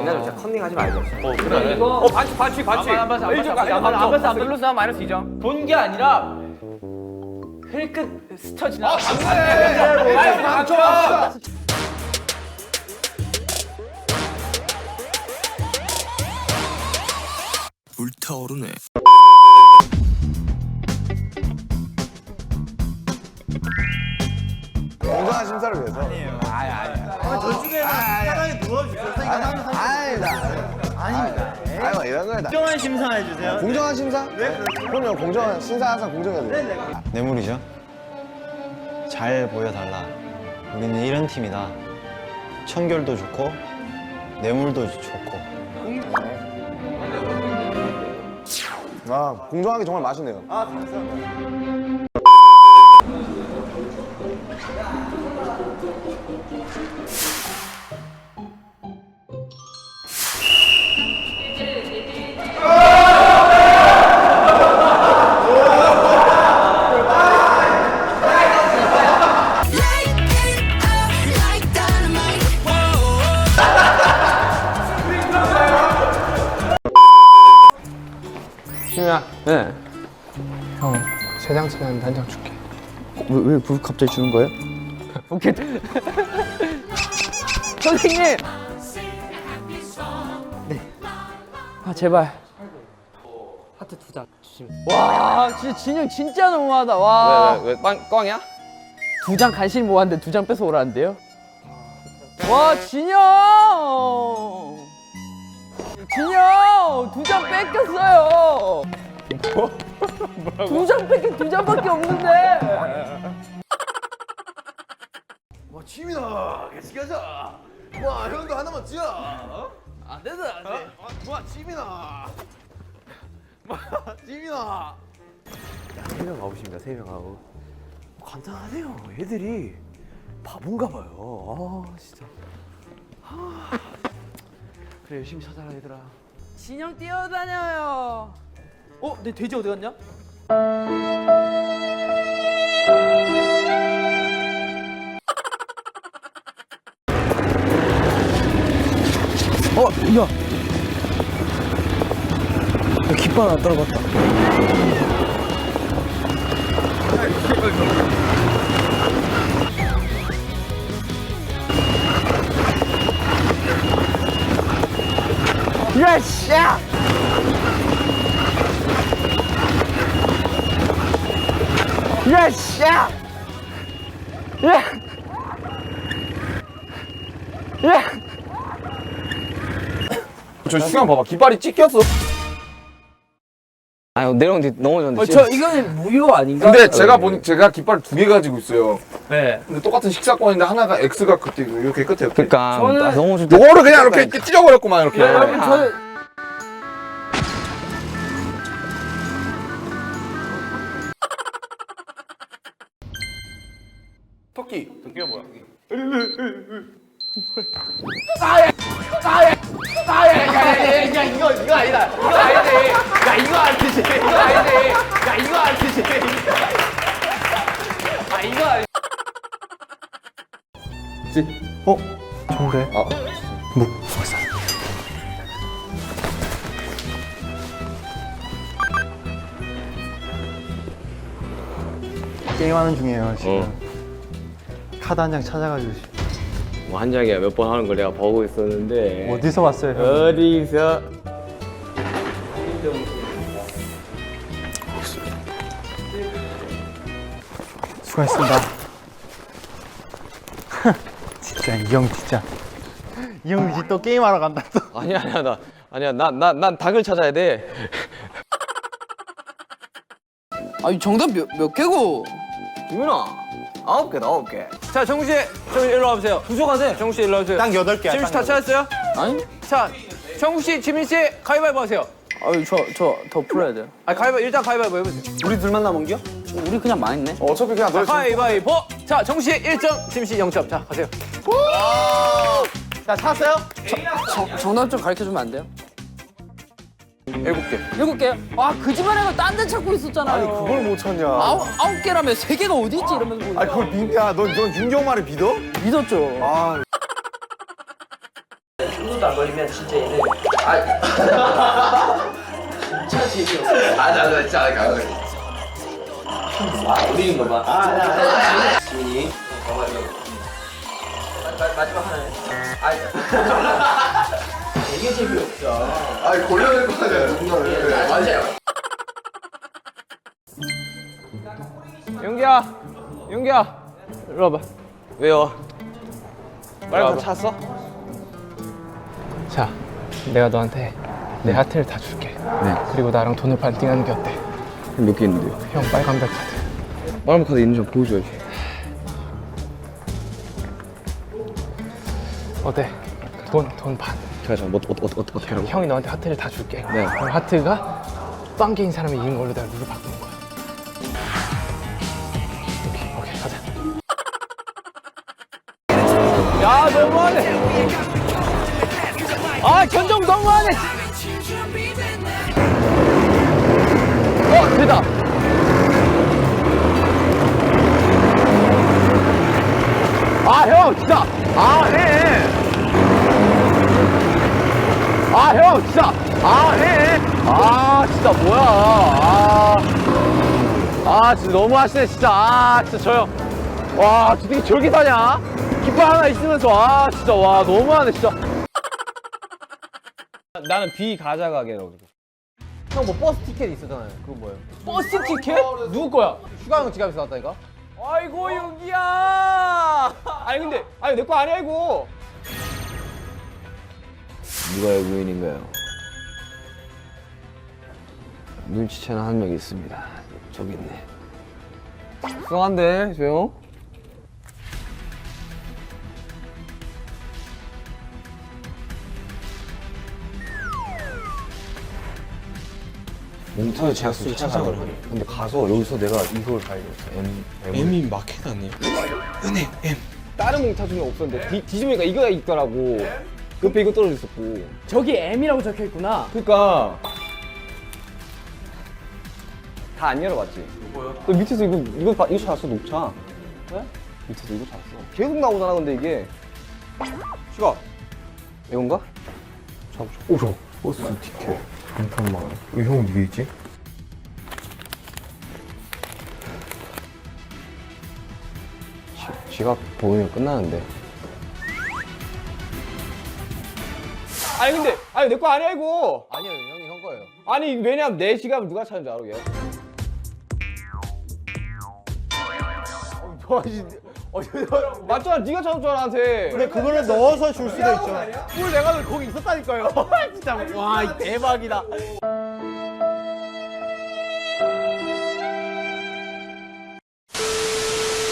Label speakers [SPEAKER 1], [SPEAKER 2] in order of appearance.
[SPEAKER 1] 장난으로 진짜 컨닝하지 말자.
[SPEAKER 2] 그래.
[SPEAKER 3] 이거 반칙.
[SPEAKER 2] 안 봤어. 안 플러스 한 마이너스 2점.
[SPEAKER 3] 본 게 아니라 힐끗 스쳐 지나.
[SPEAKER 2] 맞춰.
[SPEAKER 4] 불타오르네.
[SPEAKER 5] 공정한 심사를 위해서. 아닙니다. 이런 거다.
[SPEAKER 6] 공정한 심사해 주세요.
[SPEAKER 5] 공정한 심사? 네. 그럼요. 공정한 심사 항상 공정해야 돼요.
[SPEAKER 6] 뇌물이죠. 잘 보여달라. 우리는 이런 팀이다. 청결도 좋고 뇌물도 좋고.
[SPEAKER 5] 아, 공정하게 정말 맛있네요.
[SPEAKER 1] 희민아. 네.
[SPEAKER 7] 형, 세 장씩 하는데 한 장 줄게.
[SPEAKER 1] 왜 갑자기 주는 거예요?
[SPEAKER 2] 오케이. 선생님.
[SPEAKER 3] 아 제발.
[SPEAKER 2] 하트 2장 주시면.
[SPEAKER 3] 와 진짜 진영 진짜 너무하다. 와.
[SPEAKER 1] 왜 꽝이야?
[SPEAKER 3] 2장 간신히 모았는데 2장 뺏어 오라는데요? 와 진영. 진영 2장 뺏겼어요. 뭐라고? 2장 뺏긴 2장밖에 없는데.
[SPEAKER 5] 와, 지민아, 같이 가자. 와, 형도 하나만 지어.
[SPEAKER 3] 안 된다.
[SPEAKER 5] 와, 지민아. 와, 지민아.
[SPEAKER 1] 3명 아웃입니다. 3명 아웃. 간단하네요. 애들이 바본가 봐요. 아 진짜. 그래 열심히 찾아라 얘들아.
[SPEAKER 3] 진영 뛰어다녀요.
[SPEAKER 2] 어? 내 돼지 어디 갔냐?
[SPEAKER 7] 깃발 안 떨어졌다.
[SPEAKER 3] 예스! 야! 예스! 야! 야! 야!
[SPEAKER 2] 저 시간 봐봐. 깃발이 찢겼어.
[SPEAKER 1] 아유 내려오는데 넘어졌는데.
[SPEAKER 3] 저 이거는 무효 아닌가?
[SPEAKER 2] 근데 제가 제가 깃발 2개 가지고 있어요.
[SPEAKER 3] 네.
[SPEAKER 2] 근데 똑같은 식사권인데 하나가 X가 끝에 있고 이렇게 끝에 이렇게.
[SPEAKER 1] 그러니까
[SPEAKER 3] 저는-
[SPEAKER 1] 너무 좀.
[SPEAKER 2] 요거를 그냥 이렇게 찢어버렸구만 이렇게.
[SPEAKER 3] 여러분 저는
[SPEAKER 2] 토끼. 토끼가 뭐야?
[SPEAKER 3] 야 이거 아니다. 이거 아니지. 야 이거 아니지. 이거 아니지. 야 이거 아니지. 아 이거 아니.
[SPEAKER 7] 좋은데? 게임하는 중이에요 지금. 카드 한 장 찾아가지고.
[SPEAKER 1] 뭐 한 장이야 몇 번 하는 걸 내가 보고 있었는데.
[SPEAKER 7] 어디서 왔어요 형?
[SPEAKER 1] 어디서?
[SPEAKER 7] 수고했습니다. 진짜 이 형 진짜. 이 형 이제 또 게임하러 간다 또.
[SPEAKER 1] 난 닭을 찾아야 돼.
[SPEAKER 3] 아니 정답 몇 개고?
[SPEAKER 1] 김윤아 9개다 9개.
[SPEAKER 3] 자 정우 씨, 좀 일로 와보세요. 부족하세요. 정우 씨 일로 와보세요.
[SPEAKER 6] 딱 8개야.
[SPEAKER 3] 지민 씨 다 찾았어요?
[SPEAKER 8] 아니?
[SPEAKER 3] 자 정우 씨, 지민 씨 가위바위보 하세요.
[SPEAKER 8] 아유 저 더 풀어야 돼요.
[SPEAKER 3] 아 가위바위보 일단 가위바위보 해보세요.
[SPEAKER 1] 우리 둘만 남은겨?
[SPEAKER 8] 우리 그냥 망했네.
[SPEAKER 5] 어차피 그냥 너
[SPEAKER 3] 가위바위보. 자 정우 씨 1점, 지민 씨 0점. 자 가세요.
[SPEAKER 6] 자 찾았어요?
[SPEAKER 8] 정답 좀 가르쳐 주면 안 돼요?
[SPEAKER 3] 7개.
[SPEAKER 8] 7개요? 아 그 집안에가 딴 데 찾고 있었잖아요.
[SPEAKER 5] 아니 그걸 못 찾냐?
[SPEAKER 8] 아홉 개라며 3개가 어디 있지 이러면서 보니까.
[SPEAKER 5] 아니 그걸 넌 윤경 말을 믿어?
[SPEAKER 8] 믿었죠.
[SPEAKER 5] 아,
[SPEAKER 3] 1분도 안 걸리면 진짜 얘는 진짜 재미없어. 나 진짜 우리는 거 봐. 지민이. 마지막 하나네. 되게 재미없어.
[SPEAKER 5] 아니 걸려낼 거 아니야 누군가를.
[SPEAKER 3] 맞아요.
[SPEAKER 1] 용기야 이리 와봐. 왜요? 빨리 다 찼어?
[SPEAKER 4] 자, 내가 너한테 내 하트를 다 줄게.
[SPEAKER 1] 네.
[SPEAKER 4] 그리고 나랑 돈을 반띵하는 게 어때?
[SPEAKER 1] 몇 개 있는데요?
[SPEAKER 4] 형 빨간별 카드.
[SPEAKER 1] 빨간 카드 있는지 좀 보여줘야지.
[SPEAKER 4] 어때? 돈 반.
[SPEAKER 1] 잠깐 어떻게 하라고?
[SPEAKER 4] 형이 너한테 하트를 다 줄게.
[SPEAKER 1] 네.
[SPEAKER 4] 그럼 하트가 빵개인 사람이 이긴 걸로 내가 룰을 바꾸는 거야. 오케이, 가자.
[SPEAKER 1] 야 너무하네. 아 견정 너무하네. 됐다. 아 형 진짜. 아 해. 아 형 진짜. 아 해. 아 진짜 뭐야. 아 진짜 너무 하시네 진짜. 아 진짜 저 형. 와 어떻게 저기 사냐? 깃발 하나 있으면서 아 진짜 와 너무하네 진짜. 나는 B 가져가게로.
[SPEAKER 3] 형 뭐 버스 티켓 있었잖아요. 그건 뭐예요?
[SPEAKER 1] 버스 티켓? 누구 거야?
[SPEAKER 3] 휴가 형 지갑에서 나왔다니까?
[SPEAKER 1] 아이고 용기야. 아니 내 거 아니야 이거. 누가 외국인인가요? 눈치채는 한 명 있습니다. 저기 있네. 수상한데 저 형? 몽타주 제약수를 찾아가려. 근데 가서 여기서 내가 이걸 발견했어. M이 마켓 아니에요? 은행 M. 다른 몽타주는 없었는데 뒤집으니까 이거가 있더라고. 옆에 이거 떨어져 있었고.
[SPEAKER 8] 저기 M이라고 적혀 있구나.
[SPEAKER 1] 그러니까 다 안 열어봤지. 뭐요? 너 밑에서 이거 찾았어 녹차. 네? 밑에서 이거 찾았어. 계속 나오잖아 근데 이게. 시가 이건가? 잡으셔. 오 저. 버스 티켓. 잠깐만. 형 위에 있지? 지갑 보이면 끝나는데. 아니 내 거 아니야 이거.
[SPEAKER 3] 아니요, 형이 형 거예요.
[SPEAKER 1] 아니 왜냐면 내 지갑을 누가 찾은 줄 알아 얘? 맞잖아 네가 찾은 줄 나한테.
[SPEAKER 7] 근데 그거를 넣어서 줄 수도 있죠.
[SPEAKER 1] 뭘 내가 거기 있었다니까요. 진짜 와 대박이다.